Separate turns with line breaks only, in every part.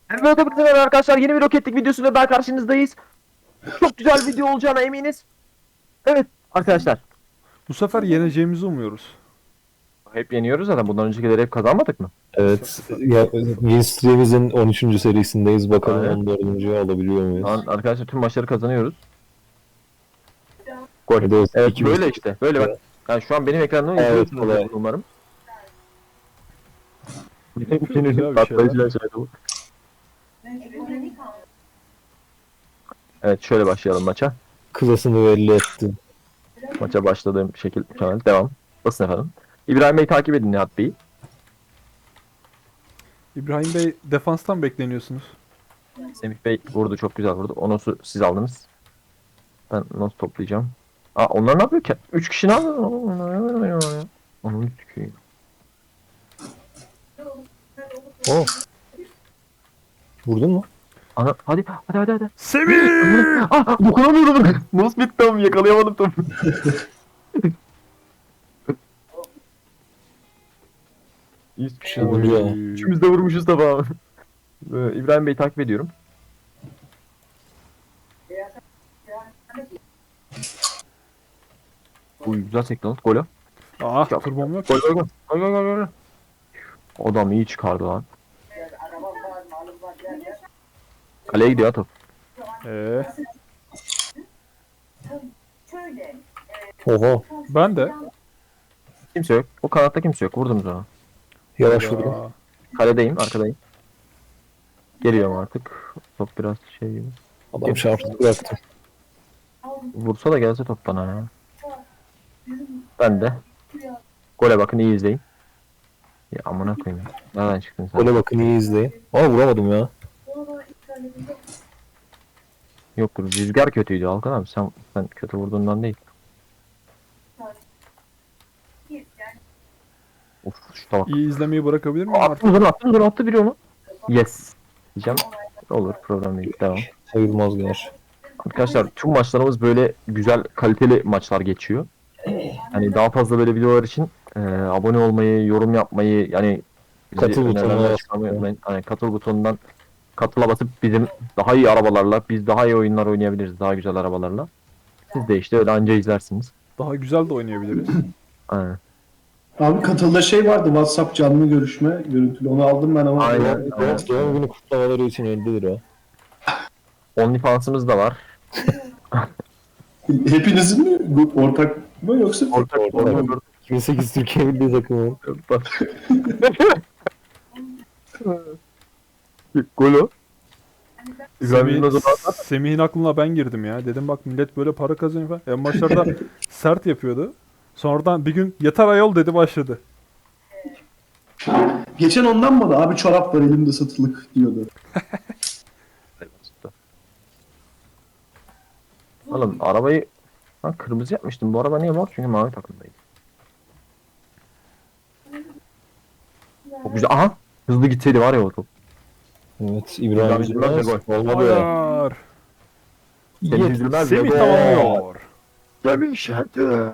Evet arkadaşlar, yeni bir roketlik videosuyla daha karşınızdayız. Çok güzel video olacağına eminiz. Evet arkadaşlar.
Bu sefer yeneceğimizi umuyoruz.
Hep yeniyoruz zaten. Bundan öncekileri hep kazanmadık mı?
Evet. Ya, Win Stream'imizin 13. serisindeyiz. Bakalım
Aynen.
14.'yü alabiliyor muyuz?
Arkadaşlar tüm maçları kazanıyoruz. Gol.
Evet,
Evet,
iki
böyle
bir-
işte. Böyle bak. Yani şu an benim ekranımda
Evet,
izliyorsunuz
kolay.
umarım.
Güzel bir şeyler.
Patlayıcılar şeydi bu. Evet, şöyle başlayalım maça.
Klasını belli etti.
Maça başladığım şekil mükemmel. Devam. Basın efendim. İbrahim Bey takip edin Nihat Bey'i.
İbrahim Bey defanstan bekleniyorsunuz.
Semih Bey vurdu, çok güzel vurdu. O nosu siz aldınız. Ben not toplayacağım. Aa, onlar ne yapıyor ki? 3 kişi ne yapıyor? Onun tüküyor.
Oh. Vurdun mu?
Ana, hadi.
Semih!
Ah, dokunamıyorum. Nasıl bitti ama yakalayamadım topu. Hiçbir şey
Oy.
olmuyor. Üçümüz de vurmuşuz tabağı. İbrahim Bey'i takip ediyorum. Uy, güzel sekti lan. Gol.
Ah, turbom yok.
Gol. Adam iyi çıkardı lan. Kaleye gidiyor ha top.
Ee,
Oha.
ben de.
Kimse yok. O kanatta kimse yok. Vurdum ona.
Yavaş vurdum.
Ya,
Kaledeyim, arkadayım. Geliyorum artık. Top biraz şey gibi.
Adam çarptı bıraktı.
Vursa da gelse top bana ya. Ben de. Gole bakın, iyi izleyin. Ya amına koyayım. Nereden çıktın sen?
Gole bakın, iyi izleyin. Aa, vuramadım ya.
Yok, rüzgar kötüydü Alkan abi. Sen kötü vurduğundan değil. Of, şu tabak.
iyi izlemeyi bırakabilir miyim artık?
Attı biri onu. Yes. Diyeceğim. Olur, problem değil. Devam.
Sayılmaz gerçi.
Arkadaşlar tüm maçlarımız böyle güzel, kaliteli maçlar geçiyor. Hani daha fazla böyle videolar için abone olmayı, yorum yapmayı, yani bizi
Katıl butonuna
önerilerden
basmayı.
çıkarmayı unutmayın. Hani katıl butonundan katıla basıp bizim daha iyi arabalarla, biz daha iyi oyunlar oynayabiliriz, daha güzel arabalarla. Siz de işte öyle anca izlersiniz.
Daha güzel de oynayabiliriz.
Aynen.
Abi katılda şey vardı, WhatsApp canlı görüşme görüntülü, onu aldım ben ama
Aynen.
Doğum günü kutlamaları için 50 lira.
OnlyFans'ımız da var.
hepinizin mi ortak mı yoksa
Ortak. 2008 Türkiye Milli Takımı.
Golo.
Semih'in aklına ben girdim ya. Dedim bak millet böyle para kazanıyor falan. En başlarda sert yapıyordu. Sonradan bir gün yeter ayol dedi, başladı.
geçen ondan mı da abi çorap var elimde satılık diyordu.
Oğlum arabayı ben kırmızı yapmıştım. Bu araba niye mor? Çünkü mavi takımdaydı. Çok güzel. Aha! Hızlı gitseydi var ya o top.
Evet, İbrahim
Üzülmez de
Üzülmez.
gol.
Olmadı ya.
Hayır.
Seni üzülmez de
Semih
gol.
tamamlıyor.
Demiş hadi.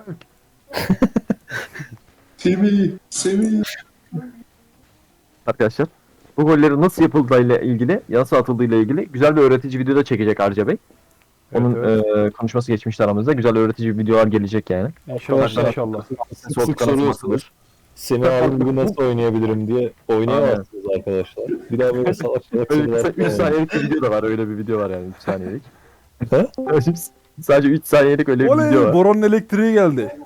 Semih.
Arkadaşlar bu gollerin nasıl yapıldığıyla ilgili, nasıl atıldığıyla ilgili güzel bir öğretici video da çekecek Arca Bey. Onun
Evet.
konuşması geçmişti aramızda. Güzel öğretici videolar gelecek yani.
İnşallah
Arkadaşlar,
inşallah.
Sık sık soruyorsunuz. Semih abim gibi nasıl oynayabilirim diye oynayamazsınız arkadaşlar. Bir daha böyle salak salak
Öyle
sorular
3 saniyelik bir video da var. Öyle bir video var yani 3 saniyelik.
He?
Sadece 3 saniyelik öyle bir video
Oley!
var.
Boran'ın elektriği geldi.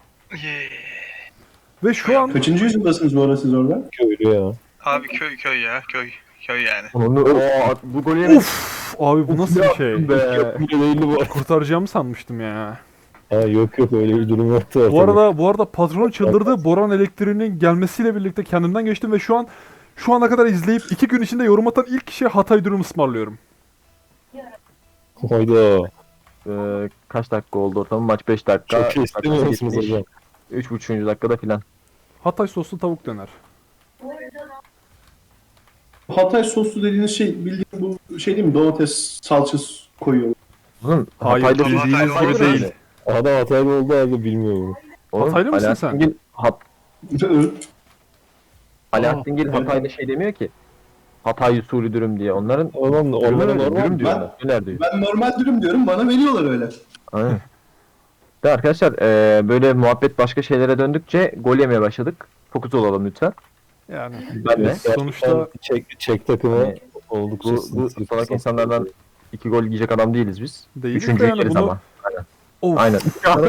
Ve şu an
Kaçıncı yüzyıldasınız bu arada siz orada?
Köylü ya.
Abi köy ya köy yani.
Bu golü yemek.
uf abi bu nasıl bir şey?
Be.
Köylü değildi bu.
Kurtaracağımı sanmıştım ya.
Ha, yok öyle bir durum yoktu.
Bu arada patron çıldırdı. Boran elektriğinin gelmesiyle birlikte kendimden geçtim ve şu ana kadar izleyip 2 gün içinde yorum atan ilk kişiye Hatay dürüm ısmarlıyorum.
Hayda.
Kaç dakika oldu ortamı? Maç 5 dakika.
Çok iyi istemiyor musunuz hocam?
3,5. dakikada filan.
Hatay soslu tavuk döner.
Hatay soslu dediğiniz şey bildiğin bu şey değil mi? Domates salçası koyuyor.
Oğlum
Hayır,
Hatay'da
bildiğiniz
Hatay
gibi değil.
Adam Hataylı oldu abi, bilmiyorum.
Hataylı mısın sen?
Alaaddingil Hatay'da şey demiyor ki. Hatay usulü dürüm diye. Onların
Oğlum
dürümü
onlara
öyle,
normal
dürüm diyor.
Ben-
ona, Döner diyor.
Ben normal dürüm diyorum, bana veriyorlar öyle.
Aynen. De arkadaşlar böyle muhabbet başka şeylere döndükçe gol yemeye başladık. Fokus olalım lütfen.
Yani
Ben de.
sonuçta
Çek takımı
Hani
oldukça
bu salak insanlardan 2 gol yiyecek adam değiliz biz.
değiliz de
Üçüncüyü
yani
yeriz
bunu...
ama.
Of.
Aynen.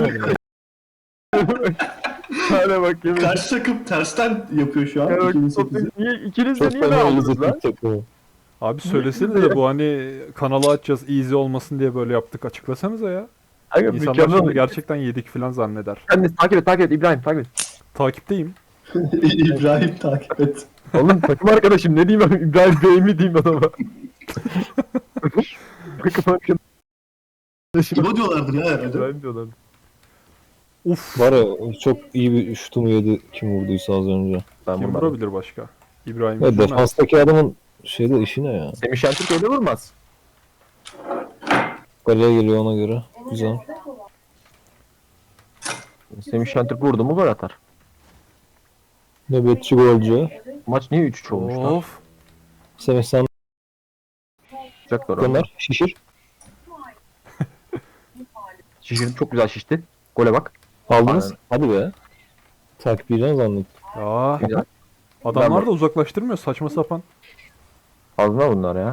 Hadi bak yemin.
Karşı takım tersten yapıyor şu an.
Ya bak,
2008'i.
niye ikiniz de
Çok
niye ne
fena
aldınız lan?
izledik takımı.
Abi söylesenize bu hani kanalı açacağız easy olmasın diye böyle yaptık. Açıklasanıza ya.
Aga
İnsanlar
mükemmel.
şimdi gerçekten yedik falan zanneder.
Sen de takip et İbrahim takip et.
Takipteyim.
İbrahim takip et.
Oğlum takım arkadaşım ne diyeyim ben İbrahim Bey mi diyeyim adama. Takım arkadaşım
İbo diyorlardır ya herhalde.
İbrahim diyorlar.
Uf.
Var ya çok iyi bir şutumu yedi kim vurduysa az önce.
Ben
Kim
vurmadım.
vurabilir başka? İbrahim
Ya
Üzülmez.
defanstaki adamın şeyde işi ne ya?
Semih Şentürk öyle vurmaz.
Kaleye geliyor ona göre. Güzel.
Semih Şentürk vurdu mu gol atar.
Nöbetçi golcü.
Maç niye 3-3 olmuş lan?
Of.
Semih sen
Sıcak var orada.
gönder. Şişir.
Şişirdi çok güzel şişti. Gole bak.
Aldınız. Hadi be. Takip edeceğim zannettim.
Ya
Güzel.
adamlar da uzaklaştırmıyor saçma sapan.
Fazla bunlar ya.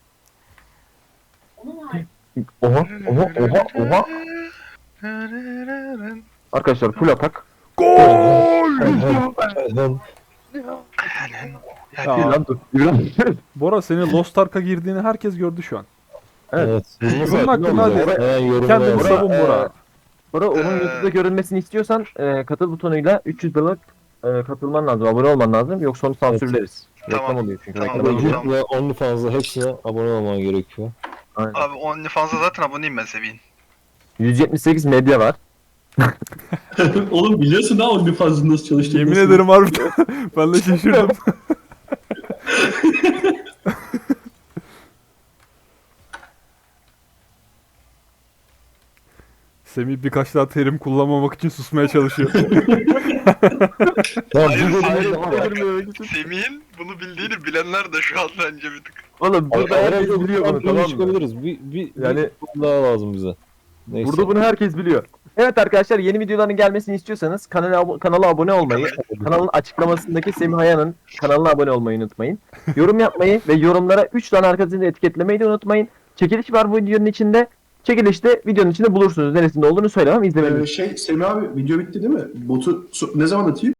Oha oha oha oha. Arkadaşlar full atak.
Ben
Bir
Ya,
lan dur. İbrahim.
Bora senin Lost Ark'a girdiğini herkes gördü şu an.
Evet.
Bunun
hakkında hadi.
Hemen yorumuna
Kendini
yaz.
savun Bora.
Bora onun YouTube'da görünmesini istiyorsan katıl butonuyla 300 dolar katılman lazım. Abone olman lazım. Yoksa onu sansürleriz.
Tamam.
Reklam oluyor çünkü.
Tamam,
Reklam oluyor.
tamam.
Ve OnlyFans'da hepsine abone olman gerekiyor.
Aynen.
Abi OnlyFans'a zaten aboneyim ben Semih'in.
178 medya var.
Oğlum biliyorsun ha OnlyFans'ın nasıl çalıştığını.
Yemin
nasıl?
ederim harbiden. Ben de şaşırdım. Semih birkaç daha terim kullanmamak için susmaya çalışıyor.
Ya
Hayır,
bu
hayır,
bölümde
Semih'in bunu bildiğini bilenler de şu an bence bir tık.
Oğlum burada herkes biliyor bunu tamam mı?
çıkabiliriz. Bir
Yani-
yani daha lazım bize. Neyse.
Burada bunu herkes biliyor. Evet arkadaşlar yeni videoların gelmesini istiyorsanız kanala abone olmayı, kanalın açıklamasındaki Semih Haya'nın kanalına abone olmayı unutmayın. Yorum yapmayı ve yorumlara 3 tane arkadaşını etiketlemeyi de unutmayın. Çekiliş var bu videonun içinde. Çekilişte videonun içinde bulursunuz. Neresinde olduğunu söylemem. İzlemenizi
Semih abi video bitti değil mi? Botu ne zaman atayım?